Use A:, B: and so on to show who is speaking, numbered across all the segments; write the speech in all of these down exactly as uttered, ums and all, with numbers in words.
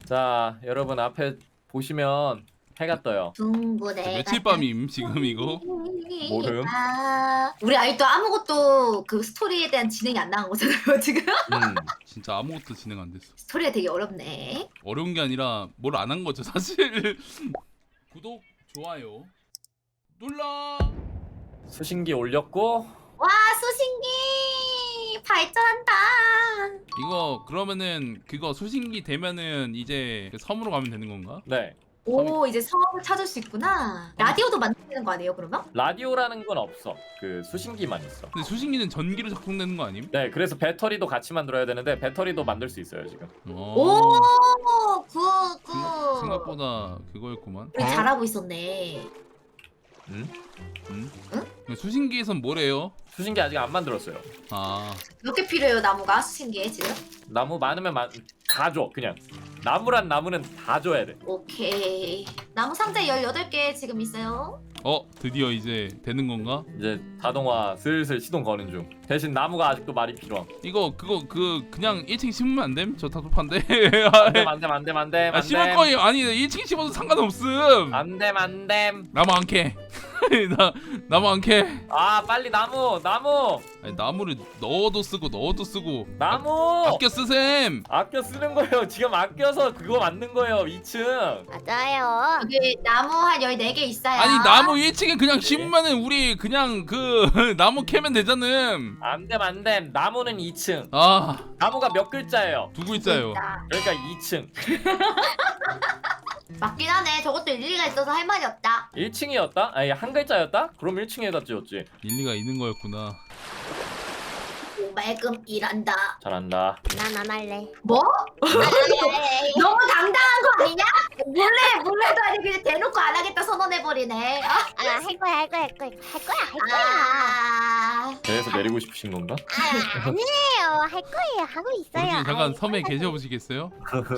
A: 자, 여러분 앞에 보시면 해가 떠요.
B: 둥근해.
C: 며칠 밤임 지금 이거?
A: 모름.
B: 아, 우리 아직도 아무것도 그 스토리에 대한 진행이 안 나온 거잖아요 지금.
A: 음.
C: 진짜 아무것도 진행 안 됐어.
B: 스토리가 되게 어렵네.
C: 어려운 게 아니라 뭘 안 한 거죠 사실. 구독, 좋아요 눌러.
A: 수신기 올렸고
B: 와 수신기 발전한다.
C: 이거 그러면은 그거 수신기 되면은 이제 그 섬으로 가면 되는 건가?
A: 네.
B: 오 이제 성을 찾을 수 있구나. 라디오도 만드는 거 아니에요 그러면?
A: 라디오라는 건 없어. 그 수신기만 있어.
C: 근데 수신기는 전기로 작동되는 거 아님?
A: 네, 그래서 배터리도 같이 만들어야 되는데 배터리도 만들 수 있어요 지금.
C: 어,
B: 오굿굿.
C: 생각, 생각보다 그거였구만.
B: 우리 잘하고 있었네.
A: 음?
C: 음?
B: 응?
C: 근데 수신기에선 뭐래요?
A: 수신기 아직 안 만들었어요.
C: 아,
B: 몇 개 필요해요 나무가 수신기에 지금?
A: 나무 많으면 마... 다 줘. 그냥 나무란 나무는 다 줘야 돼.
B: 오케이. 나무 상자 열여덟 개 지금 있어요.
C: 어 드디어 이제 되는 건가?
A: 이제 자동화 슬슬 시동 거는 중. 대신 나무가 아직도 많이 필요함.
C: 이거 그거 그 그냥 일 층 심으면 안 됨? 저 다급한데.
A: 안됨 안됨 안됨 안됨.
C: 아 심을 거예요. 아니 일 층 심어도 상관없음.
A: 안됨 안됨.
C: 나무 안 캐. 나 나무 안 캐.
A: 아 빨리 나무 나무
C: 아니, 나무를 넣어도 쓰고 넣어도 쓰고.
A: 나무.
C: 아, 아껴 쓰셈.
A: 아껴 쓰는 거예요. 지금 아껴서 그거 만든 거예요. 이 층.
D: 맞아요.
B: 여기 나무 한 열네 개 있어요.
C: 아니 나무 일 층에 그냥 심으면은 우리 그냥 그 나무 캐면 되잖아.
A: 안됨 안됨. 나무는 이 층.
C: 아,
A: 나무가 몇 글자예요?
C: 두 글자요.
A: 그러니까 이 층.
B: 맞긴 하네. 저것도 일리가 있어서 할 말이 없다.
A: 일 층이었다? 아니 한 글자였다? 그럼 일 층에다 지었지.
C: 일리가 있는 거였구나.
B: 오말금 일한다.
A: 잘한다.
D: 난 안 할래.
B: 뭐?
D: 안 할래.
B: 너무 당당한 거 아니냐? 몰래 몰래도 아니 그냥 대놓고 안 하겠다 선언해버리네. 아,
D: 아, 할 거야, 할 거야, 할 거야, 할 거야, 할 거야.
B: 아,
A: 그래서 내리고 싶으신 건가?
D: 아, 아니에요. 할 거예요. 하고 있어요.
C: 우리 잠깐
D: 아이,
C: 섬에 계셔보시겠어요?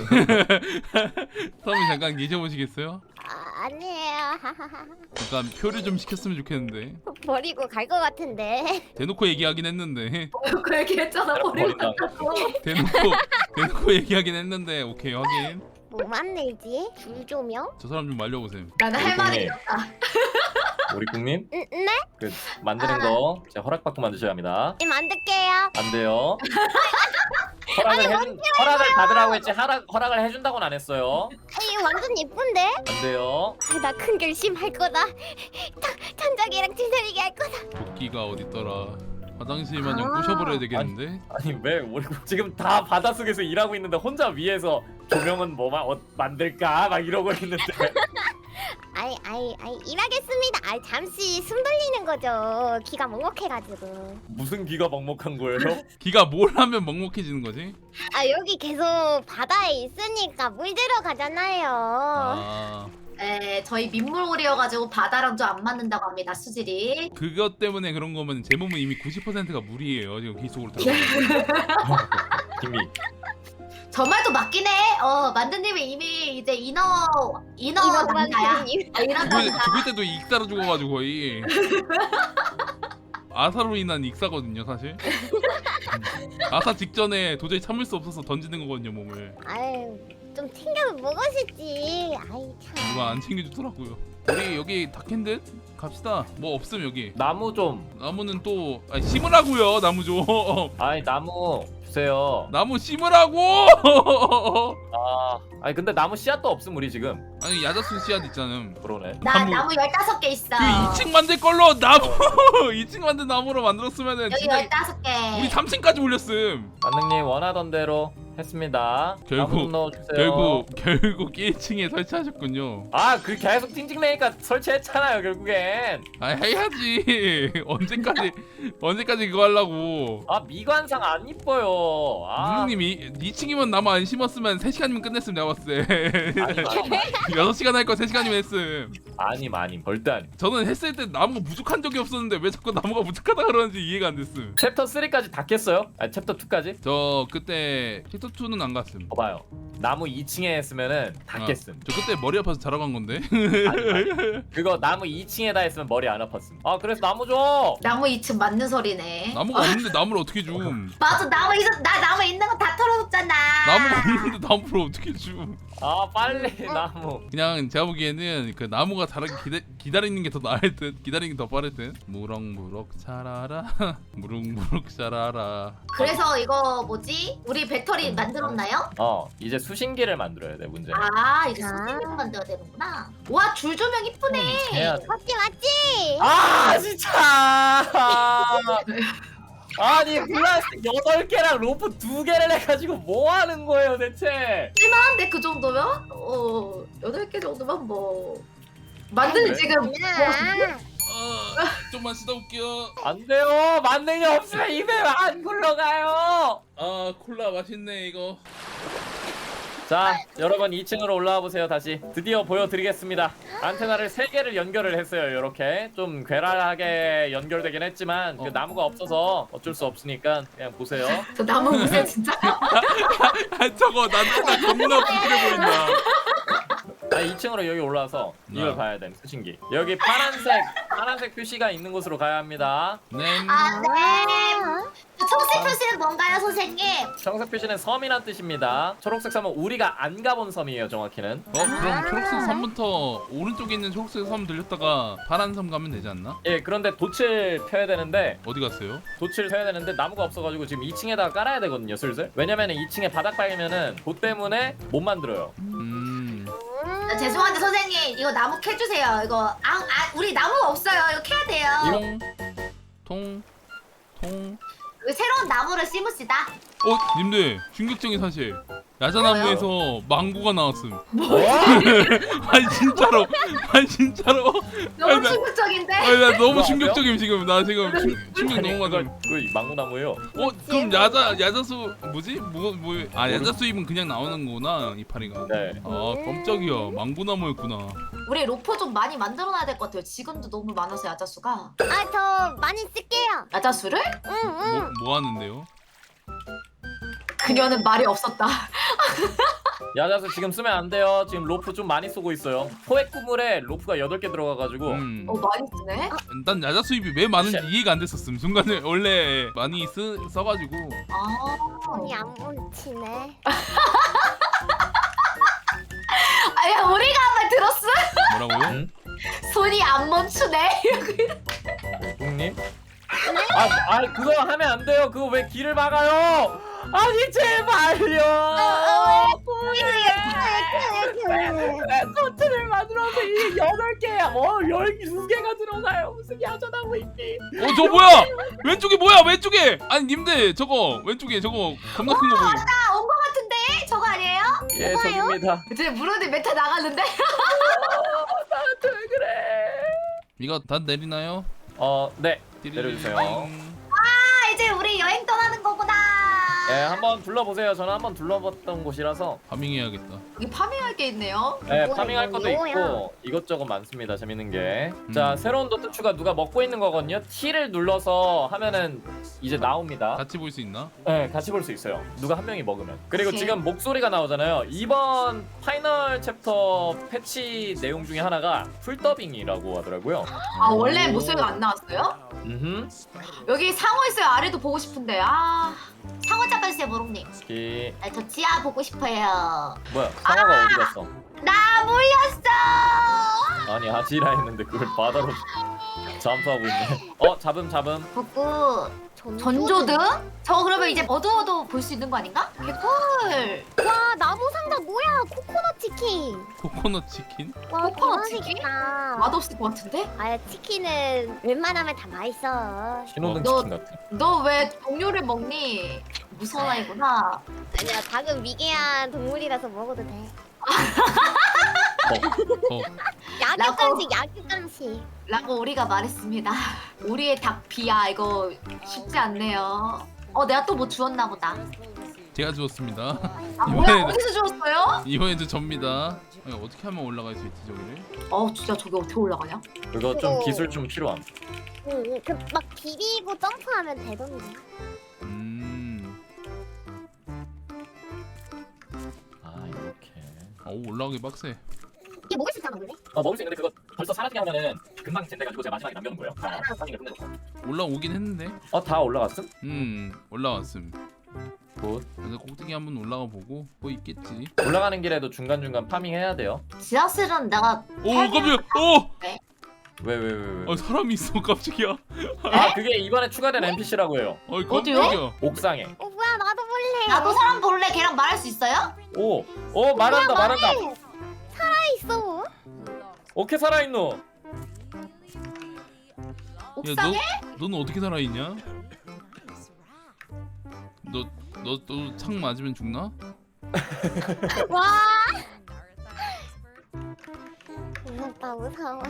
C: 섬에 잠깐 계셔보시겠어요?
D: 아, 아니에요. 하하하.
C: 잠깐 표를 좀 시켰으면 좋겠는데.
D: 버리고 갈 것 같은데.
C: 대놓고 얘기하긴 했는데.
B: 그 얘기했잖아 버리고
A: 버린다.
B: 갔다고.
C: 대놓고 대놓고 얘기하긴 했는데. 오케이 확인.
D: 뭐 만들지? 줄 조명?
C: 저 사람 좀 말려보세요.
B: 나는 할 말이
A: 우리
B: 없다.
A: 우리 국님
D: 응, 네?
A: 그 만드는 거 제가 허락받고 만드셔야 합니다.
D: 네, 만들게요.
A: 안 돼요. 허락을 해준 허락을 받으라고 했지 허락 허락을 해준다고는 안 했어요.
D: 아니, 완전 예쁜데?
A: 안 돼요.
D: 아, 나 큰 결심 할 거다. 천- 천장이랑 찌들리게 할 거다.
C: 도끼가 어딨더라. 화장실 마냥
B: 아.
C: 부셔버려야 되겠는데?
A: 아니 왜 우리 지금 다 바닷속에서 일하고 있는데 혼자 위에서 조명은 뭐 마, 어, 만들까 막 이러고 있는데.
D: 아이, 아이, 아이, 일하겠습니다. 아이, 잠시 숨 돌리는 거죠. 귀가 먹먹해가지고.
A: 무슨 귀가 먹먹한 거예요?
C: 기가 뭘 하면 먹먹해지는 거지?
D: 아, 여기 계속 바다에 있으니까 물 들어가잖아요.
C: 아,
B: 에 저희 민물고리여가지고 바다랑 좀 안 맞는다고 합니다 수질이.
C: 그것 때문에 그런 거면 제 몸은 이미 구십 퍼센트가 물이에요. 지금 귀 속으로 들어가.
A: 이미
B: 저 말도 맞긴 해. 어 만두님이 이미 이제 인어 인어
D: 이거
B: 남자야.
D: 만드님.
B: 어, 인어
C: 죽을,
B: 남자.
C: 죽을 때도 익사로 죽어가지고 거의. 아사로 인한 익사거든요 사실. 아사 직전에 도저히 참을 수 없어서 던지는 거거든요 몸을.
D: 아유, 좀 챙겨 먹으시지. 아이, 참.
C: 누가 안 챙겨주더라고요. 우리 여기 다캔듯 갑시다. 뭐 없음 여기.
A: 나무 좀.
C: 나무는 또 아니, 심으라고요. 나무 좀.
A: 아니 나무 주세요.
C: 나무 심으라고.
A: 아 아니 근데 나무 씨앗도 없음 우리 지금.
C: 아니 야자수 씨앗 있잖아.
A: 그러네.
B: 나
C: 나무-
B: 나무 열다섯 개 있어.
C: 그 이 층 만들 걸로 나무 이 층 만든 나무로 만들었으면은
B: 여기
C: 진짜
B: 열다섯 개.
C: 우리 삼 층까지 올렸음.
A: 만능님 원하던 대로 했습니다.
C: 결국-
A: 나무 좀 넣어주세요.
C: 결국 결국 일 층에 설치하셨군요.
A: 아그 계속 찡찡대니까 설치했잖아요 결국엔.
C: 아 해야지. 언제까지 언제까지 그거 하려고.
A: 아 미관상 안 이뻐요. 아
C: 무능님이 이 층이면 나무 안 심었으면 세 시간이면 끝냈음 내가 봤을 때.
A: 아니, 아니,
C: 여섯 시간 할 거 세 시간이면 했음.
A: 아님 아님 절대 아님.
C: 저는 했을 때 나무가 부족한 적이 없었는데 왜 자꾸 나무가 부족하다 그러는지 이해가 안 됐음.
A: 챕터 쓰리까지 다 깼어요? 아니 챕터 투까지?
C: 저 그때 챕터 투는 안 갔음.
A: 봐봐요. 나무 이 층에 했으면은 다
C: 어.
A: 깼음.
C: 저 그때 머리 아파서 자러 간 건데.
A: 아니, 아니. 그거 나무 이 층에다 했으면 머리 안 아팠음. 아 그래서 나무 줘.
B: 나무 이 층 맞는 소리네.
C: 나무가 없는데 나무를 어떻게 줌?
B: 맞아, 나무 있어. 나 나무 있는 거 다 털어놓잖아.
C: 나무가 없는데 나무를 어떻게 줌?
A: 아 빨리 나무.
C: 그냥 제가 보기에는 그 나무가 자라기 기다, 기다리는 게 더 나을 듯, 기다리는 게 더 빠를 듯. 무럭무럭 자라라, 무럭무럭 자라라.
B: 그래서 이거 뭐지? 우리 배터리 만들었나요?
A: 어 이제 수신기를 만들어야 돼 문제.
B: 아, 이제
D: 아.
B: 수신기를 만들어야 되는구나. 와, 줄 조명 이쁘네.
A: 해야 돼.
D: 맞지 맞지.
A: 아 진짜. 아니 플라스틱 여덟 개랑 로프 두 개를 해가지고 뭐 하는 거예요 대체?
B: 쓸만한데 그 정도면? 어, 여덟 개 정도면 뭐 만드는
A: 그래?
B: 지금
D: 야.
C: 어, 좀만 쉬다 올게요.
A: 안 돼요. 만능이 없으면 입에 안 굴러가요.
C: 아 콜라 맛있네 이거.
A: 자 여러분 이 층으로 올라와 보세요. 다시 드디어 보여드리겠습니다. 안테나를 세 개를 연결을 했어요. 이렇게 좀 괴랄하게 연결되긴 했지만 그
C: 어.
A: 나무가 없어서 어쩔 수 없으니까 그냥 보세요.
B: 저 나무 무쇠 진짜.
C: 아 저거 난테나 겁나 부끄러 보인다.
A: 아 이 층으로 여기 올라와서 이걸
C: 네.
A: 봐야 돼. 수신기. 여기 파란색 파란색 표시가 있는 곳으로 가야 합니다.
C: 네.
B: 아, 네. 저 초록색 표시는 뭔가요, 선생님?
A: 청색 표시는 섬이란 뜻입니다. 초록색 섬은 우리가 안 가본 섬이에요. 정확히는.
C: 어 그럼 초록색 섬부터 오른쪽에 있는 초록색 섬 들렸다가 파란 섬 가면 되지 않나?
A: 예 그런데 돛을 펴야 되는데
C: 어디 갔어요?
A: 돛을 펴야 되는데 나무가 없어가지고 지금 이 층에다가 깔아야 되거든요. 슬슬. 왜냐면은 이 층에 바닥 빨면은 돛 때문에 못 만들어요.
C: 음.
B: 아, 죄송한데 선생님 이거 나무 캐주세요. 이거 아, 아 우리 나무가 없어요. 이거 캐야 돼요.
C: 통, 통, 통.
B: 여기 새로운 나무를 심읍시다.
C: 어, 님들 충격적인 사실. 야자나무에서 망고가 나왔음.
A: 뭐?
C: 아니 진짜로, 아니 진짜로.
B: 너무
C: 아니, 나-
B: 충격적인데?
C: 아니 나 너무
A: 그거
C: 충격적임 지금. 나 지금 충, 충격
A: 아니,
C: 너무
A: 그걸
C: 많음.
A: 그 망고나무예요.
C: 어, 그럼 야자 야자수 뭐지? 뭐 뭐? 아 야자수입은 그냥 나오는 거구나 이파리가.
A: 네.
C: 아 깜짝이야. 망고나무였구나.
B: 우리 로프 좀 많이 만들어놔야 될 것 같아요. 지금도 너무 많아서 야자수가.
D: 아 저 많이 쓸게요.
B: 야자수를?
D: 응응.
C: 뭐, 뭐 하는데요?
B: 그녀는 말이 없었다.
A: 야자수 지금 쓰면 안 돼요. 지금 로프 좀 많이 쏘고 있어요. 포획 구물에 로프가 여덟 개 들어가가지고
C: 음.
B: 어 많이 쓰네.
C: 난 야자 수입이 왜 많은지
A: 씨.
C: 이해가 안 됐었음. 순간에 원래 많이 쓰 써가지고.
B: 아.
D: 손이 안 뭉치네.
B: 아야 우리가 한 말 들었어?
C: 뭐라고요?
A: 응?
B: 손이 안 멈추네.
A: 뿡님? 아, 아 그거 하면 안 돼요. 그거 왜 길을 막아요? 아니 제발요. 왜 토트를 만들어서 이게 여덟 개야? 뭐 열두 개가 들어가요. 무슨 야전하고 있니?
C: 어 저 뭐야? 왼쪽에 뭐야? 왼쪽에. 아니 님들 저거 왼쪽에 저거 겁나 큰 거 보이.
B: 나온 거 같은데? 저거 아니에요?
A: 예 저깁니다.
B: 이제 물어도 메타 나갔는데?
A: 나한테 왜 그래?
C: 이거 다 내리나요?
A: 어 네.
C: 띠리링.
A: 내려주세요.
B: 아 이제 우리 여행 떠나는 거구나.
A: 예 한번 둘러보세요. 저는 한번 둘러봤던 곳이라서.
C: 파밍해야겠다.
B: 여기 파밍할 게 있네요.
A: 네,
D: 뭐야,
A: 파밍할
D: 이거,
A: 것도
D: 이거야.
A: 있고 이것저것 많습니다. 재밌는 게.
C: 음.
A: 자, 새로운 도트 추가 누가 먹고 있는 거거든요. T를 눌러서 하면은 이제 나옵니다.
C: 같이 볼 수 있나?
A: 네, 같이 볼 수 있어요. 누가 한 명이 먹으면. 그리고
B: 오케이.
A: 지금 목소리가 나오잖아요. 이번 파이널 챕터 패치 내용 중에 하나가 풀더빙이라고 하더라고요.
B: 아 원래 목소리가 안 나왔어요?
A: 음.
B: 여기 상어 있어요. 아래도 보고 싶은데 아 상어 잡아주세요 모롱님.
A: 이
B: 아, 저 지하 보고 싶어요.
A: 뭐야? 상어가 어디 갔어?
B: 나 물렸어.
A: 아니 아지라 했는데 그걸 바다로 잠수하고 있네. 어, 잡음 잡음.
B: 북구 전조등? 저거 그러면 이제 어두워도 볼 수 있는 거 아닌가? 개꿀.
D: 와 나무 상자 뭐야? 코코넛 치킨.
C: 코코넛 치킨?
D: 와
B: 코코넛 치킨?
D: 대박이다.
B: 맛없을 것 같은데?
D: 아 치킨은 웬만하면 다 맛있어.
A: 신호등
B: 너-
A: 치킨 같은.
B: 너 왜 동료를 먹니? 무서운 아이구나.
D: 아니야 닭은 미개한 동물이라서 먹어도 돼.
C: 어.
D: 약육
B: 라고.
D: 간식 약육 간식.
B: 라고 우리가 말했습니다. 우리의 닭 비야 이거 쉽지 않네요. 어 내가 또 뭐 주웠나 보다.
C: 제가 주웠습니다.
B: 아 뭐야
C: 이번에는
B: 어디서 주웠어요?
C: 이번에도 접니다. 아니, 어떻게 하면 올라갈 수 있지 저기를?
B: 어 진짜 저기 어떻게 올라가냐?
A: 그거 좀 기술 좀 필요함.
D: 응, 그 막 비비고 점프하면 되던데.
C: 음.
A: 아 이렇게.
C: 어우 올라가기 빡세.
D: 이게 먹을 수 있잖아 원래.
A: 어 먹을 수 있는데 그거 벌써 사라지게 하면은 금방 된대가지고 제가 마지막에 남겨놓은 거예요. 다 사진을 끝내놓고.
C: 올라오긴 했는데.
A: 어다 올라갔음?
C: 음 올라왔음.
A: 굿.
C: 그래서 꼭대기 한번 올라가 보고 뭐 있겠지.
A: 올라가는 길에도 중간 중간 파밍 해야 돼요.
B: 지하실은 내가
C: 오 깜짝이야. 오.
A: 왜 왜 왜 왜?
C: 아 사람이 있어 깜짝이야.
A: 아 그게 이번에 추가된 엔피씨라고 해요.
C: 어이
B: 어디요?
C: 깜짝이야.
A: 옥상에.
D: 어 뭐야 나도 볼래.
B: 나도 사람 볼래 걔랑 말할 수 있어요?
A: 오, 오 말한다 말한다.
D: 살아 있어.
A: 어떻게 살아있노?
B: 옥상에?
C: 야너 너는 어떻게 살아있냐? 너너너 창 맞으면 죽나?
D: 와. 무섭다 무서워.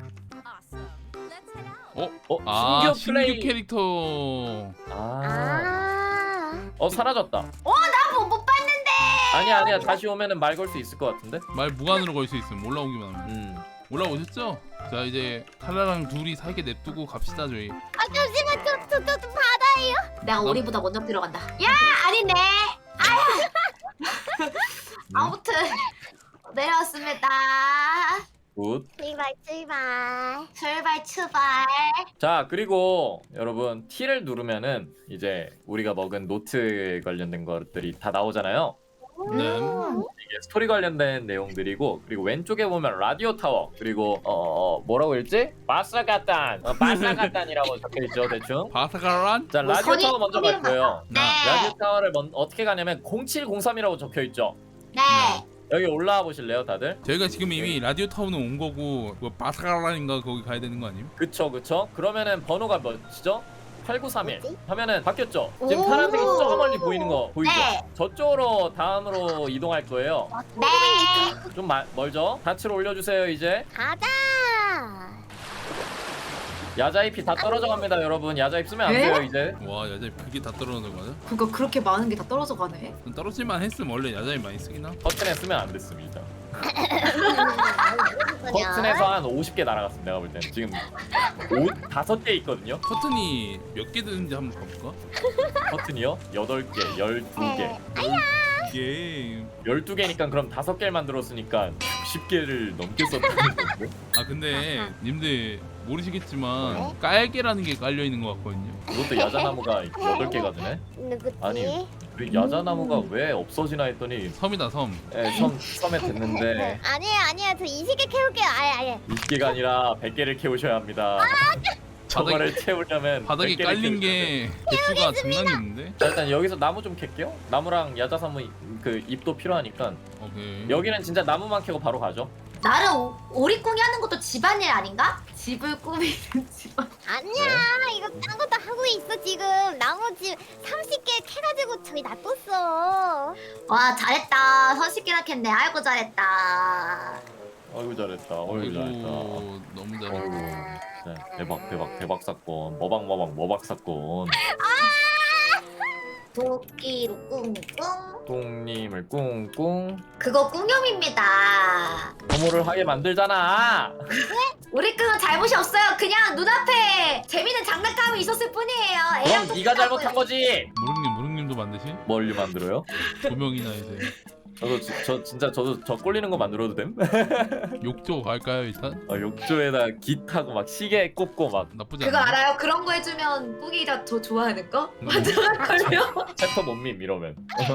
C: 어?
A: 어
C: 아
A: 신규
C: 신규
A: 플레이.
C: 캐릭터.
A: 아,
D: 아.
A: 어 사라졌다.
B: 나못 못 봤는데.
A: 아니야 아니야 다시 오면은 말 걸 수 있을 것 같은데.
C: 말 무한으로 걸 수 있음. 올라오기만 하면.
A: 음.
C: 올라오셨죠? 자 이제 칼라랑 둘이 살게 냅두고 갑시다 저희.
D: 아 잠시만 저저 저 좀 받아요.
B: 내가 우리보다 먼저 들어간다. 야 아니네. 아야. 아무튼 내려왔습니다.
A: 굿.
D: 출발 출발.
B: 출발 출발.
A: 자 그리고 여러분 T를 누르면은 이제 우리가 먹은 노트 관련된 것들이 다 나오잖아요.
C: 네.
A: 이게 스토리 관련된 내용들이고 그리고 왼쪽에 보면 라디오 타워 그리고 어, 어 뭐라고 읽지? 바사가탄 어, 바사가탄이라고 적혀있죠 대충.
C: 바사가란?
A: 자
B: 뭐
A: 라디오
B: 선이-
A: 타워 먼저 갈
B: 선이
A: 거예요.
B: 네.
A: 라디오 타워를 먼, 어떻게 가냐면 공칠공삼이라고 적혀있죠.
B: 네.
A: 여기 올라와 보실래요 다들?
C: 저희가 지금 이미 라디오 타운은 온 거고 뭐 바사가란인가 거기 가야 되는 거 아님?
A: 그쵸 그쵸. 그러면은 번호가 몇이죠? 팔구삼일
D: 뭐지?
A: 하면은 바뀌었죠. 지금
B: 오.
A: 파란색이 저 멀리 보이는 거 보이죠?
B: 네.
A: 저쪽으로 다음으로 이동할 거예요.
B: 네.
A: 좀 마, 멀죠? 다치로 올려주세요 이제.
D: 가자.
A: 야자잎이 다 떨어져 갑니다 여러분. 야자잎 쓰면 안
B: 네?
A: 돼요 이제.
C: 와 야자잎 그게 다 떨어져 가자.
B: 그거 그렇게 많은 게 다 떨어져 가네.
C: 좀 떨어질만 했으면 원래 야자잎 많이 쓰긴 하.
A: 커튼에 쓰면 안 됐습니다.
D: 아,
A: 커튼에서 한 오십 개 날아갔습니다 내가 볼 때는. 지금 오, 다섯 개 있거든요.
C: 커튼이 몇 개 드는지 한번 가볼까?
A: 커튼이요? 여덟 개, 열두 개.
C: 이게
A: 열두 개니까 그럼 다섯 개를 만들었으니까 육십 개를 넘게 썼다는 건데?
C: 아 근데 님들 모르시겠지만
D: 네?
C: 깔개라는 게 깔려 있는 것 같거든요.
A: 그것도 야자나무가 여덟 개가 되네?
D: 누구지?
A: 아니. 그 야자나무가 왜 없어지나 했더니
C: 섬이다 섬.
A: 예, 섬, 섬에 됐는데
D: 아니에요 아니에요 저 이십 개 캐올게요. 아예 아예.
A: 이십 개가 아니라 백 개를 캐우셔야 합니다. 저거를 채우려면
C: 바닥에
A: 백 개를
C: 깔린
A: 캐우셔야 돼요.
C: 게 개수가 장난이 있는데?
A: 자, 일단 여기서 나무 좀 캘게요. 나무랑 야자나무 그 잎도 필요하니까
C: 오케이.
A: 여기는 진짜 나무만 캐고 바로 가죠.
B: 나는 오- 오리꿍이 하는 것도 집안일 아닌가? 집을 꾸미는 집안.
D: 아니야 이거 딴 것도 하고 있어 지금. 나머지 삼십 개 캐가지고 저기 놔뒀어.
B: 와 잘했다. 선식기나 캤네. 아이고 잘했다.
A: 어이구 잘했다. 어이구 잘했다.
C: 아이고 너무
A: 어이구
C: 잘했다.
A: 진짜 대박 대박 대박 사건. 머박 머박 머박 사건.
B: 도끼로 꿍꿍.
A: 똥님을 꿍꿍
B: 그거 꿍염입니다.
A: 부모를 하게 만들잖아.
B: 오리꿍은 잘못이 없어요. 그냥 눈앞에 재밌는 장난감이 있었을 뿐이에요. 애랑
A: 그럼 네가 잘못한 거지.
C: 무릉님 무릉님도 만드시?
A: 뭘로 만들어요?
C: 두 명이나 이제
A: 저도 지, 저 진짜 저도 저 꼴리는 거 만들어도 됨?
C: 욕조 갈까요 일단?
A: 어, 욕조에다 깃하고 막 시계 꼽고 막
C: 나쁘지
B: 그거
C: 않아.
B: 알아요? 그런 거 해주면 뿡이가 더 좋아하는 거?
C: 음.
B: 맞아걸요?
A: 챕터 못밈 이러면.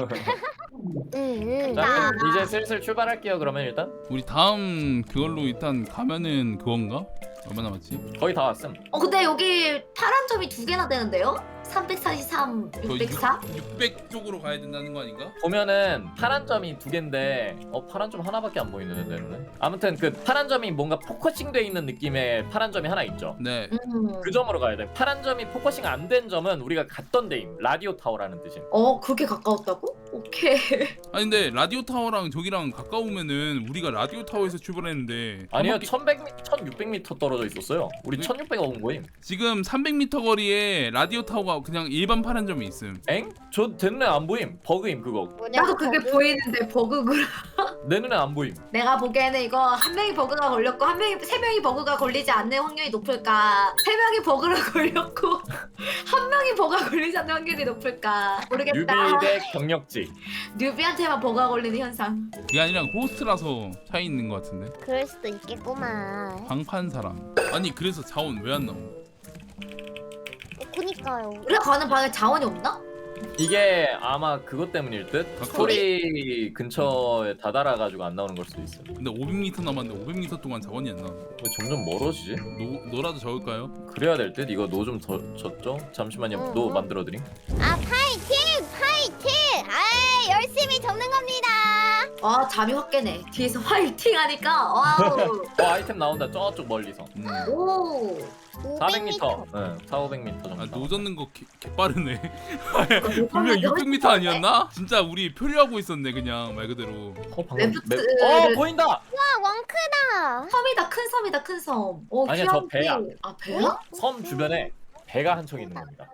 D: 응.
A: 자 그럼 이제 슬슬 출발할게요. 그러면 일단
C: 우리 다음 그걸로 일단 가면은 그건가? 얼마 남았지?
A: 거의 다 왔음.
B: 어 근데 여기 파란 점이 두 개나 되는데요? 삼백사십삼, 육백사?
C: 육백 쪽으로 가야 된다는 거 아닌가?
A: 보면은 파란 점이 두 개인데 어 파란 점 하나밖에 안 보이는데 눈에. 아무튼 그 파란 점이 뭔가 포커싱돼 있는 느낌의 파란 점이 하나 있죠.
C: 네.
B: 음.
A: 그 점으로 가야 돼. 파란 점이 포커싱 안 된 점은 우리가 갔던 데임. 라디오 타워라는 뜻임.
B: 어 그렇게 가까웠다고? 오케이.
C: 아니 근데 라디오 타워랑 저기랑 가까우면은 우리가 라디오 타워에서 출발했는데
A: 아니요,
C: 한 바퀴-
A: 천백 미, 천육백 미터 떨어져 있었어요. 우리
C: 왜?
A: 천육백 온 거임.
C: 지금 삼백 미터 거리에 라디오 타워가 그냥 일반 파란점이 있음.
A: 엥? 저 내 눈에 안 보임. 버그임 그거.
B: 나도 그게 보이는데 버그구나.
A: 내 눈에 안 보임.
B: 내가 보기에는 이거 한 명이 버그가 걸렸고 한 명이 세 명이 버그가 걸리지 않는 확률이 높을까? 세 명이 버그가 걸렸고 한 명이 버그가 걸리지 않는 확률이 높을까? 모르겠다.
A: 뉴비 대 경력직.
B: 뉴비한테만 버그가 걸리는 현상.
C: 그게 아니라 호스트라서 차이 있는 것 같은데.
D: 그럴 수도 있겠구만.
C: 방판 사람. 아니 그래서 자원 왜 안 나오?
D: 어, 그니까요.
B: 우리가 가는 방에 자원이 없나?
A: 이게 아마 그것 때문일 듯.
C: 아,
A: 스토리 근처에 다다라가지고 안 나오는 걸 수도 있어.
C: 근데 오백 미터 남았는데 오백 미터 동안 자원이 안 나와.
A: 왜 점점 멀어지지?
C: 노 노라도 적을까요?
A: 그래야 될 듯. 이거 노 좀 더 졌죠? 잠시만요.
D: 응,
A: 노
D: 응.
A: 만들어드림.
D: 아 파이팅! 파이팅! 아 열심히 접는 겁니다.
B: 아 잠이 확 깨네. 뒤에서 화이팅 하니까 와우.
A: 어 아이템 나온다. 저쪽 멀리서.
C: 음.
B: 오.
A: 사백 미터. 응, 사오백 미터 정도.
C: 아,
A: 나와.
C: 노 젓는 거 개, 개빠르네. 분명 육백 미터 아니었나? 진짜 우리 표류하고 있었네 그냥 말 그대로.
A: 어 방금
B: 레프트-
A: 맵... 어 보인다.
D: 와 왕크다.
B: 섬이다 큰 섬이다 큰 섬. 오,
A: 아니야, 저 배야.
B: 아 배야?
A: 섬 주변에 배가 한 척 있는 겁니다.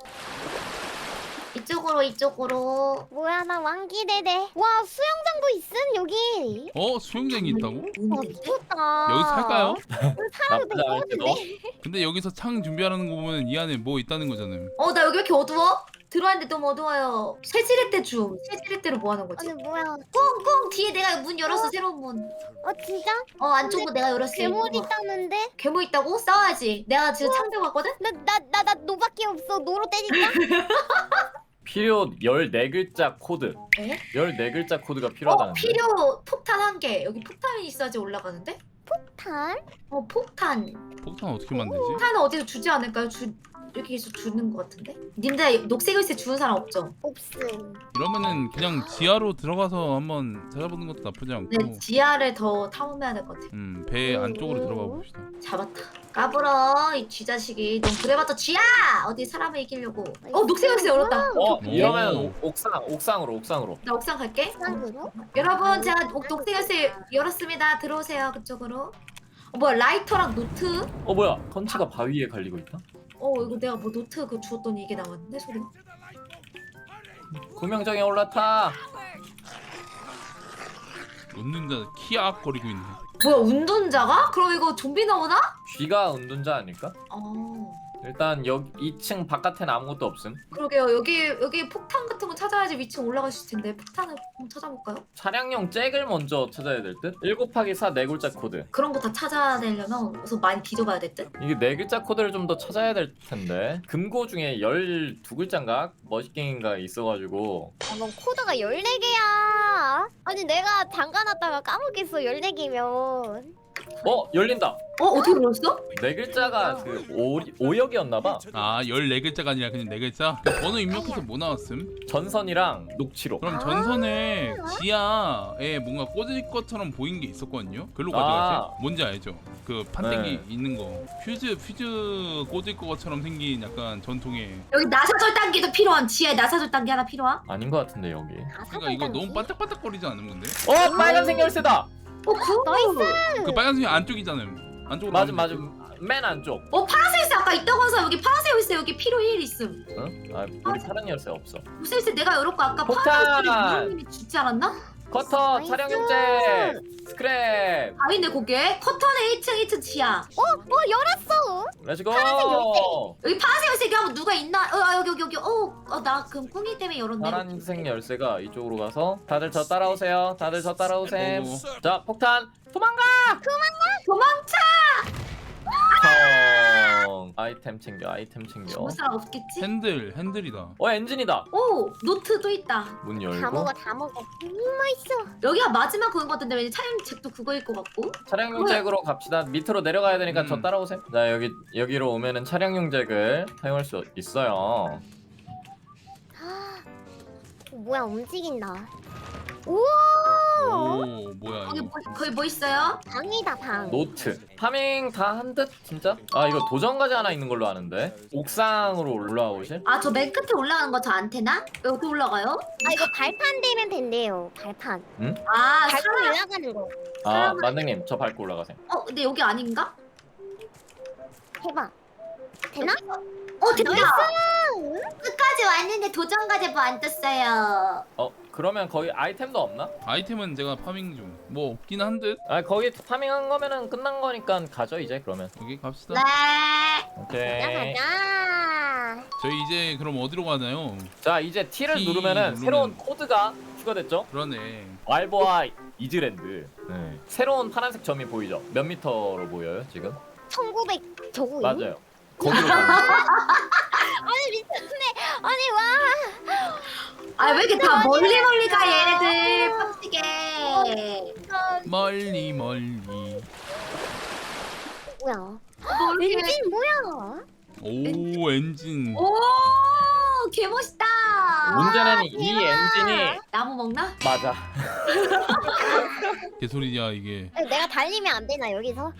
B: 이쪽으로 이쪽으로.
D: 뭐야 나 왕기대대. 와 수영장도 있음 여기.
C: 어 수영장이 있다고?
D: 와
B: 뭔데?
D: 미쳤다.
C: 여기서 살까요?
D: 살아도
A: 나쁘지 않을
D: 될것
A: 때도.
D: 같은데.
C: 근데 여기서 창 준비하는 거 보면 이 안에 뭐 있다는 거잖아요.
B: 어 나 여기 왜 이렇게 어두워? 들어왔는데 너무 어두워요. 새지렛대 줌. 새지렛대로 뭐 하는 거지?
D: 아니 뭐야.
B: 꽁꽁 뒤에 내가 문 열었어 새로운 문.
D: 어 진짜?
B: 어 안쪽으로 내가 열었어.
D: 괴물
B: 이거 봐.
D: 있다는데?
B: 괴물 있다고? 싸워야지. 내가 지금 창 들고 왔거든?
D: 나 나 나 나 노밖에 없어. 노로 때릴까?
A: 필요 열네 글자 코드.
B: 에?
A: 열네 글자 코드가
B: 어
A: 필요하다는데.
B: 필요 폭탄 한 개. 여기 폭탄이 있어야지 올라가는데?
D: 탄?
B: 어 폭탄.
C: 폭탄 어떻게 만들지?
B: 폭탄은 어디서 주지 않을까요? 주 여기서 주는 것 같은데? 님들 녹색 글씨 주는 사람 없죠?
D: 없음.
C: 이러면은 그냥 지하로 들어가서 한번 찾아보는 것도 나쁘지 않고.
B: 네 지하를 더 탐험해야 될 것 같아.
C: 음, 배 안쪽으로 들어가 봅시다.
B: 잡았다. 까불어 이 쥐자식이. 넌 그래봤자 쥐야! 어디 사람을 이기려고. 어 녹색 글씨 열었다.
A: 어
C: 오.
A: 이러면 옥- 옥상 옥상으로 옥상으로.
B: 나 옥상 갈게.
D: 쌍으로?
B: 여러분 제가 녹- 녹색 글씨 열었습니다. 들어오세요 그쪽으로. 어 뭐야 라이터랑 노트?
A: 어 뭐야? 컨치가 바위에 갈리고 있다.
B: 어 이거 내가 뭐 노트 그 주었더니 이게 나왔는데 소리가?
A: 구명정에 올라타.
C: 웃는 자 키악 거리고 있네.
B: 뭐야 운전자가? 그럼 이거 좀비 나오나?
A: 쥐가 은둔자 아닐까?
B: 어
A: 일단 여기 이 층 바깥에는 아무것도 없음.
B: 그러게요. 여기 여기 폭탄 같은 거 찾아야지 위층 올라갈 수 있을 텐데 폭탄을 한번 찾아볼까요?
A: 차량용 잭을 먼저 찾아야 될 듯? 일 곱하기 사 네 글자 코드.
B: 그런 거 다 찾아내려면 우선 많이 뒤져봐야 될 듯?
A: 이게 네 글자 코드를 좀 더 찾아야 될 텐데. 금고 중에 열두 글자인가? 머시갱인가 있어가지고.
D: 아, 넌 코드가 열네 개야. 아니 내가 잠가놨다가 까먹겠어 열네 개면.
A: 어 열린다.
B: 어 어떻게 그랬어?
A: 네 글자가 그 오, 오역이었나봐.
C: 아 열네 글자가 아니라 그냥 네 글자? 그 번호 입력해서 뭐 나왔음?
A: 전선이랑 녹취록.
C: 그럼
D: 아.
C: 전선에 지하에 뭔가 꽂을 것처럼 보인 게 있었거든요? 글로
A: 아.
C: 가져가지? 뭔지 알죠? 그 판때기
A: 네.
C: 있는 거 퓨즈 퓨즈 꽂을 것처럼 생긴 약간 전통의.
B: 여기 나사절 단계도 필요한 지하에 나사절 단계 하나 필요한?
A: 아닌 것 같은데 여기.
C: 그러니까 이거 너무 반짝반짝거리지 않은 건데?
A: 어 빨간색 열쇠다.
B: 어 그?
D: 나이스.
C: 그 빨간색이 안쪽이잖아요. 안쪽으로
A: 맞음
C: 가면
A: 맞음. 맨 안쪽.
B: 어 파란색 있어 아까 있다고 해서 여기 파란색 있어 여기 필요 일 있음.
A: 응? 아 우리 파란 열쇠 없어.
B: 무슨 글씨 내가 열었고 아까
A: 폭탄!
B: 파란색 님이 주지 않았나?
A: 커터,
D: 나이스.
A: 차량용제, 스크랩.
B: 아닌데 그게? 커터는 일 층 일 층 지하.
D: 어 열었어.
A: 렛츠고.
B: 여기 파란색 열쇠 하면 누가 있나? 어 아, 여기 여기 여기. 어나 그럼 꿍이 때문에 열었네.
A: 파란색 열쇠가 이쪽으로 가서 다들 저 따라오세요. 다들 저 따라오셈.
C: 오.
A: 자 폭탄 도망가.
B: 도망쳐.
A: 텅. 아이템 챙겨. 아이템 챙겨.
B: 죽을 사람 없겠지?
C: 핸들 핸들이다.
A: 어 엔진이다.
B: 오 노트도 있다.
A: 문
D: 다
A: 열고.
D: 먹어 다 먹어. 음 맛있어.
B: 여기가 마지막 그건 것 같은데 왠지 차량 책도 그거일 것 같고.
A: 차량용 잭으로 갑시다. 밑으로 내려가야 되니까
C: 음.
A: 저 따라오세요. 자 여기 여기로 오면은 차량용 잭을 사용할 수 있어요.
D: 어, 뭐야 움직인다. 우와
C: 오 뭐야
B: 거기
C: 이거.
B: 뭐, 거기 뭐 있어요?
D: 방이다 방.
A: 노트 파밍 다 한 듯 진짜? 아 이거 도전 과제 하나 있는 걸로 아는데 옥상으로 올라오실?
B: 아 저 맨 끝에 올라가는 거 저 안테나? 왜 어떻게 올라가요?
D: 아 이거 발판 되면 된대요. 발판.
B: 아
D: 발판
B: 사람
D: 올라가는 거.
A: 아 만능님 저 밟고 올라가세요.
B: 어 근데 여기 아닌가?
D: 해봐. 되나?
B: 어 됐다
D: 나이스.
B: 끝까지 왔는데 도전 과제 뭐 안 떴어요
A: 어 그러면 거기 아이템도 없나?
C: 아이템은 제가 파밍 중. 뭐 없긴 한 듯.
A: 아 거기 파밍한 거면은 끝난 거니까 가죠 이제 그러면.
C: 여기 갑시다.
B: 네
D: 가자
A: 오케이.
D: 가자.
C: 저희 이제 그럼 어디로 가나요?
A: 자 이제 T를
C: T
A: 누르면은
C: 누르면-
A: 새로운 코드가 추가됐죠?
C: 그러네.
A: 왈보아 이즈랜드. 네. 새로운 파란색 점이 보이죠? 몇 미터로 보여요 지금?
D: 천구백 저거.
A: 맞아요. 거기로 가는 거예요.
D: 아니 미쳤네. 아니 와.
B: 아 왜 이렇게 다 멀리 멀리 가 얘네들 빡치게
C: 멀리 멀리.
D: 뭐야?
B: 멀리
D: 엔진 뭐야?
C: 오 엔진.
B: 오 개멋있다
A: 문제는 이
D: 대박.
A: 엔진이
B: 나무 먹나?
A: 맞아.
C: 개소리야 이게.
D: 내가 달리면 안 되나 여기서?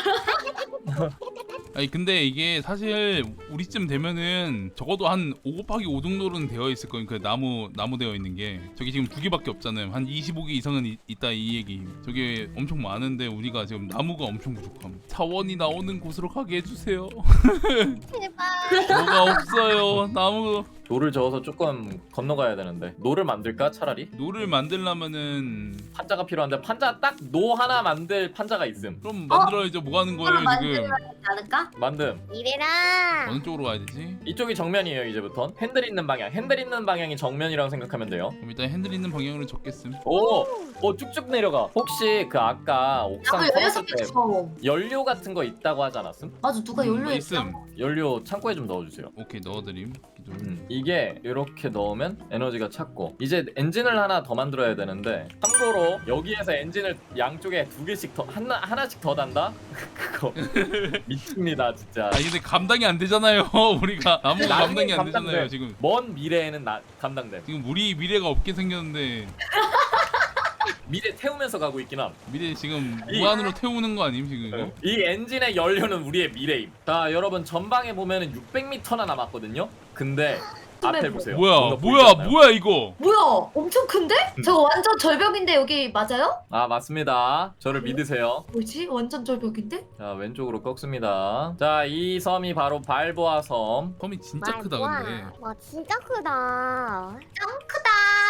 C: 아니 근데 이게 사실 우리쯤 되면은 적어도 한 오 곱하기 오 정도는 되어 있을 거예요. 그 나무 나무 되어 있는 게 저기 지금 두 개밖에 없잖아요. 한 이십오 개 이상은 이, 있다 이 얘기. 저게 엄청 많은데 우리가 지금 나무가 엄청 부족함. 사원이 나오는 곳으로 가게 해주세요.
D: 제발.
C: 뭐가 없어요. 나무.
A: 노를 저어서 조금 건너가야 되는데 노를 만들까 차라리?
C: 노를 만들려면은
A: 판자가 필요한데 판자 딱 노 하나 만들 판자가 있음.
C: 그럼 만들어야죠. 뭐 하는 거예요
B: 그럼
C: 지금?
B: 만들어야 되지 않을까?
A: 만듦.
D: 이래라.
C: 어느 쪽으로 가야 되지?
A: 이쪽이 정면이에요 이제부턴. 핸들 있는 방향. 핸들 있는 방향이 정면이라고 생각하면 돼요.
C: 그럼 일단 핸들 있는 방향으로 적겠음.
A: 오, 오 쭉쭉 내려가. 혹시 그 아까 옥상
B: 나무 열여섯
A: 털었을
B: 개
A: 때
B: 처음
A: 연료 같은 거 있다고 하지 않았음?
B: 맞아 누가
C: 음,
B: 연료
C: 있음.
B: 있어
A: 연료 창고에 좀 넣어주세요.
C: 오케이 넣어드림. 기둥.
A: 음, 이게 이렇게 넣으면 에너지가 찼고 이제 엔진을 하나 더 만들어야 되는데 참고로 여기에서 엔진을 양쪽에 두 개씩 더 하나 하나씩 더 단다? 그거 미칩니다 진짜.
C: 아니 근데 감당이 안 되잖아요. 우리가 나무가
A: 나중에
C: 감당이 안
A: 감당돼.
C: 되잖아요 지금.
A: 먼 미래에는 나 감당돼.
C: 지금 우리 미래가 없게 생겼는데
A: 미래 태우면서 가고 있긴 함.
C: 미래 지금
A: 이-
C: 무한으로 태우는 거 아님 지금 이거?
A: 이 엔진의 연료는 우리의 미래임. 자 여러분 전방에 보면은 육백 미터나 남았거든요. 근데 앞에 보세요.
C: 뭐야
A: 뭔가 보이지
C: 뭐야
A: 않나요?
C: 뭐야 이거?
B: 뭐야 엄청 큰데? 저거 완전 절벽인데 여기 맞아요?
A: 아 맞습니다. 저를 믿으세요.
B: 뭐지? 완전 절벽인데?
A: 자 왼쪽으로 꺾습니다. 자 이 섬이 바로 발보아 섬.
C: 섬이 진짜
D: 말
C: 크다
D: 뭐야.
C: 근데
D: 와 진짜 크다.
B: 짱 크다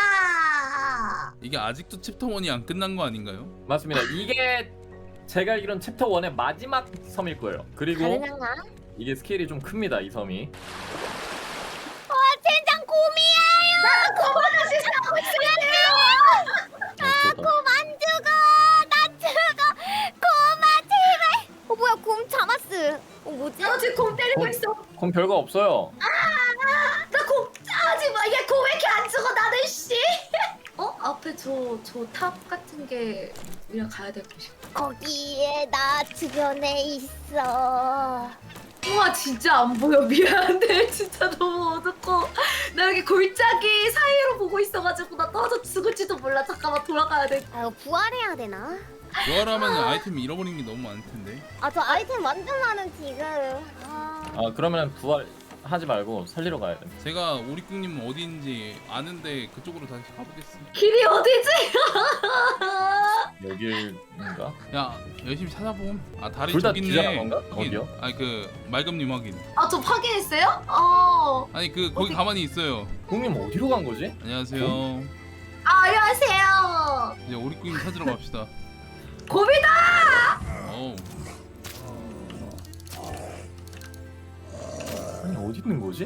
C: 이게 아직도 챕터 일이 안 끝난 거 아닌가요?
A: 맞습니다. 이게 제가 알기론 챕터 일의 마지막 섬일 거예요. 그리고
D: 가능한가?
A: 이게 스케일이 좀 큽니다. 이 섬이.
D: 와 젠장 곰이에요.
A: 아,
D: 곰 안 죽어. 나 죽어. 곰아 제발. 어 뭐야 곰 잡았어. 어 뭐지?
B: 나 지금 곰 때리고
A: 곰.
B: 있어
A: 그럼 별거 없어요.
B: 나곰 하지마 얘곰 왜 이렇게 안 죽어 나는 씨 어? 앞에 저 저 탑 같은 게 우리랑 가야 될 곳이야
D: 거기에 나 주변에 있어.
B: 우와 진짜 안 보여 미안한데 진짜 너무 어둡고 나 여기 골짜기 사이로 보고 있어가지고 나 떨어져 죽을지도 몰라 잠깐만 돌아가야 돼
D: 아 이거 부활해야 되나?
C: 부활하면 아이템 잃어버린 게 너무 많을 텐데.
D: 아 저 아이템 완전 많은 지금. 아.
A: 아 그러면 부활 하지 말고 살리러 가야 돼.
C: 제가 오리꿍님 어디인지 아는데 그쪽으로 다시 가보겠습니다.
B: 길이 어디지?
A: 여길인가?
C: 야 열심히 찾아봄. 아 다리
A: 둘 다
C: 저기
A: 기절한
C: 있네.
A: 건가?
C: 확인.
A: 어디요?
C: 아니 그 말금님 확인.
B: 아 저 확인했어요? 어.
C: 아니 그 거기
B: 어디?
C: 가만히 있어요.
A: 형님 어디로 간 거지?
C: 안녕하세요.
B: 아 안녕하세요
C: 이제 오리꿍님 찾으러 갑시다.
B: 곰이다
C: 어우.
A: 아니 어디 있는 거지?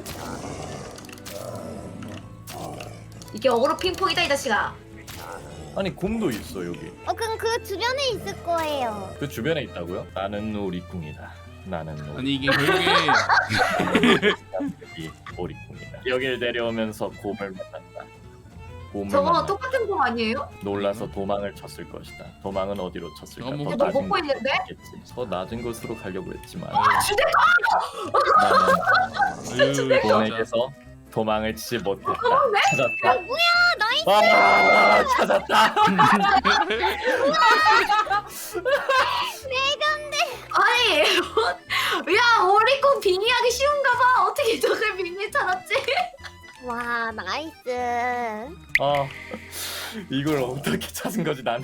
B: 이게 어그로 핑퐁이다 이 자식아
A: 아니 곰도 있어 여기.
D: 어 그럼 그 주변에 있을 거예요.
A: 그 주변에 있다고요? 나는 오리꿍이다. 나는 오리.
C: 아니 이게 결국에
A: 이 오리꿍이다. 여길 내려오면서 곰을 만났다. 곰을
B: 저거
A: 만났다.
B: 똑같은 곰 아니에요?
A: 놀라서 도망을 쳤을 것이다. 도망은 어디로 쳤을까?
C: 야, 뭐
A: 더
B: 너
A: 낮은
B: 먹고 있는데?
A: 곳이겠지. 더 낮은 곳으로 가려고 했지만
B: 아 주대
A: 나는
C: 아유 진짜.
A: 곰에게서 도망을 치지 못했다.
B: 네?
A: 찾았다.
D: 나이스.
A: 아 찾았다.
B: 아니 야 오리콘 빙의하기 쉬운가 봐. 어떻게 저걸 빙의 찾았지?
D: 와 나이스.
A: 아 이걸 어떻게 찾은 거지 나는?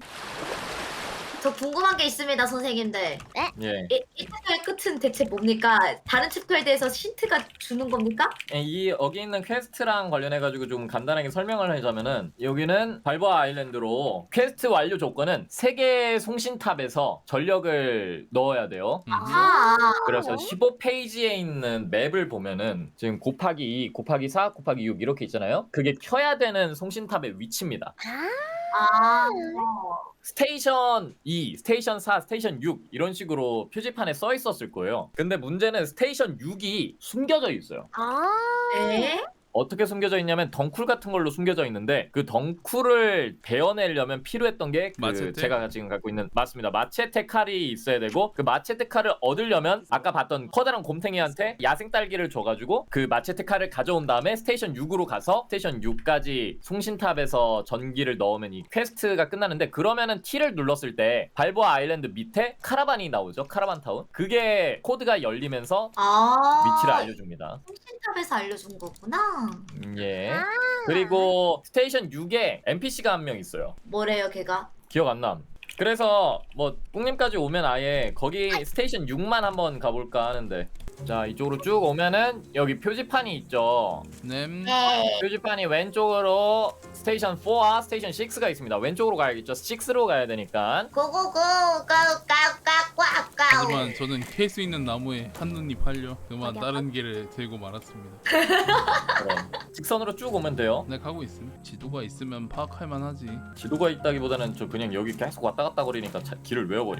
B: 저 궁금한 게 있습니다 선생님들.
A: 예.
B: 이, 이 튜토리얼 끝은 대체 뭡니까? 다른 튜토리얼에 대해서 힌트가 주는 겁니까?
A: 이 여기 있는 퀘스트랑 관련해 가지고 좀 간단하게 설명을 하자면은 여기는 발보아 아일랜드로 퀘스트 완료 조건은 세 개의 송신탑에서 전력을 넣어야 돼요.
C: 음.
B: 아
A: 그래서 십오 페이지에 있는 맵을 보면은 지금 곱하기 이, 곱하기 사, 곱하기 육 이렇게 있잖아요. 그게 켜야 되는 송신탑의 위치입니다.
B: 아.
A: 스테이션 이, 스테이션 사, 스테이션 육 이런 식으로 표지판에 써 있었을 거예요. 근데 문제는 스테이션 육이 숨겨져 있어요.
D: 아.
B: 에?
A: 어떻게 숨겨져 있냐면 덩쿨 같은 걸로 숨겨져 있는데 그 덩쿨을 베어내려면 필요했던 게 그
C: 마체테?
A: 제가 지금 갖고 있는 맞습니다. 마체테 칼이 있어야 되고 그 마체테 칼을 얻으려면 아까 봤던 커다란 곰탱이한테 야생 딸기를 줘가지고 그 마체테 칼을 가져온 다음에 스테이션 육으로 가서 스테이션 육까지 송신탑에서 전기를 넣으면 이 퀘스트가 끝나는데 그러면은 T를 눌렀을 때 발보아 아일랜드 밑에 카라반이 나오죠. 카라반 타운. 그게 코드가 열리면서
B: 아
A: 위치를 알려줍니다.
B: 송신탑에서 알려준 거구나.
A: 음, 예.
D: 아.
A: 그리고 스테이션 육에 엔피씨가 한 명 있어요.
B: 뭐래요 걔가?
A: 기억 안 남. 그래서 뭐 뿡님까지 오면 아예 거기 스테이션 육만 한번 가볼까 하는데 자 이쪽으로 쭉 오면은 여기 표지판이 있죠.
C: 네.
B: 네.
A: 표지판이 왼쪽으로 스테이션 사와 스테이션 식스가 있습니다. 왼쪽으로 가야겠죠. 식스로 가야 되니까.
B: 고고고 까까까까까까.
C: 하지만 저는 캘 수 있는 나무에 한눈이 팔려 그만
D: 어디야?
C: 다른 길을 들고 말았습니다.
A: 그럼 직선으로 쭉 오면 돼요.
C: 네 가고 있음. 지도가 있으면 파악할 만하지.
A: 지도가 있다기보다는 저 그냥 여기 계속 왔다 갔다 거리니까 차- 길을 외워버림.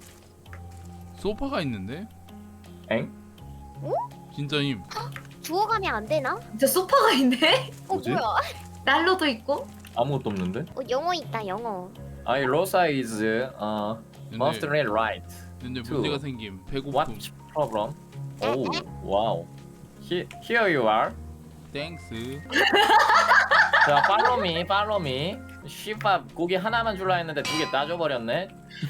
C: 소파가 있는데?
A: 엥?
C: 진짜임.
D: 주워가면 안 되나?
B: 저 소파가 있네?
D: 어
A: 뭐지?
D: 뭐야?
B: 난로도 있고.
A: 아무것도 없는데?
D: 어 영어 있다 영어.
A: I Rosa is uh, must
C: 근데,
A: read right.
C: 근데
A: two.
C: 문제가 생김. 배고픔.
A: What problem? Oh, wow. He, here you are.
C: 땡스.
A: 자, follow me, follow me. 씨밥 고기 하나만 줄라 했는데 두 개 따줘버렸네.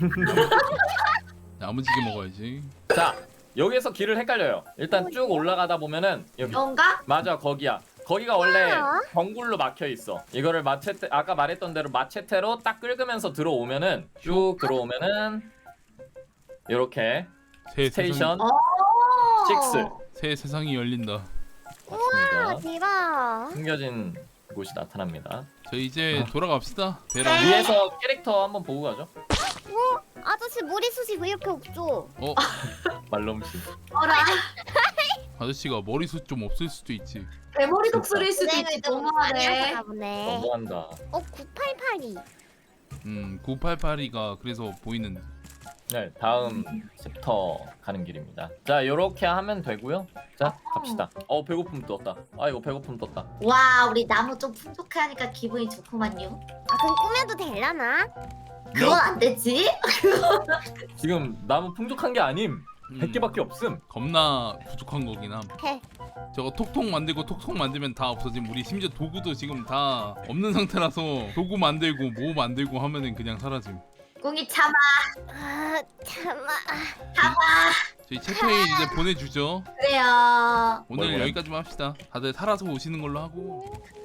C: 야무지게 먹어야지.
A: 자, 여기에서 길을 헷갈려요. 일단 쭉 올라가다 보면은 여기
B: 뭔가?
A: 맞아 거기야. 거기가 원래
D: 아.
A: 덩굴로 막혀 있어. 이거를 마체테 아까 말했던 대로 마체테로 딱 긁으면서 들어오면은 쭉 들어오면은 이렇게
C: 새
A: 스테이션
C: 세상,
B: 어.
A: 식스
C: 새 세상이 열린다.
D: 아
A: 맞습니다.
D: 대박.
A: 숨겨진 곳이 나타납니다.
C: 저 이제
A: 아.
C: 돌아갑시다. 배랑.
A: 위에서 캐릭터 한번 보고 가죠.
D: 아저씨 머리숱이 왜 이렇게 없죠?
C: 어
A: 말솜씨.
B: 어라.
C: 아저씨가 머리숱 좀 없을 수도 있지.
B: 대머리 독수리일 수도
D: 고생을
B: 있지.
D: 좀 많이
B: 너무하네.
D: 하셨나 보네.
A: 너무한다.
D: 어 구팔팔이.
C: 음 구팔팔이가 그래서 보이는.
A: 네, 다음 챕터 가는 길입니다. 자, 요렇게 하면 되고요. 자, 갑시다. 어, 배고픔 떴다. 아, 이거 배고픔 떴다.
B: 와 우리 나무 좀 풍족하니까 기분이 좋구만요.
D: 아 그럼 꾸며도 되려나?
B: 그건 안 되지?
A: 지금 나무 풍족한 게 아님.
C: 음,
A: 백 개밖에 없음.
C: 겁나 부족한 거긴 함.
D: 헤.
C: 저거 톡톡 만들고 톡톡 만들면 다 없어짐. 우리 심지어 도구도 지금 다 없는 상태라서 도구 만들고 뭐 만들고 하면은 그냥 사라짐.
B: 꿍이 참아
D: 아 참아.
B: 참아.
C: 저희 채팅에 이제 보내주죠.
B: 그래요.
A: 뭘
C: 오늘
A: 보내?
C: 여기까지만 합시다. 다들 살아서 오시는 걸로 하고.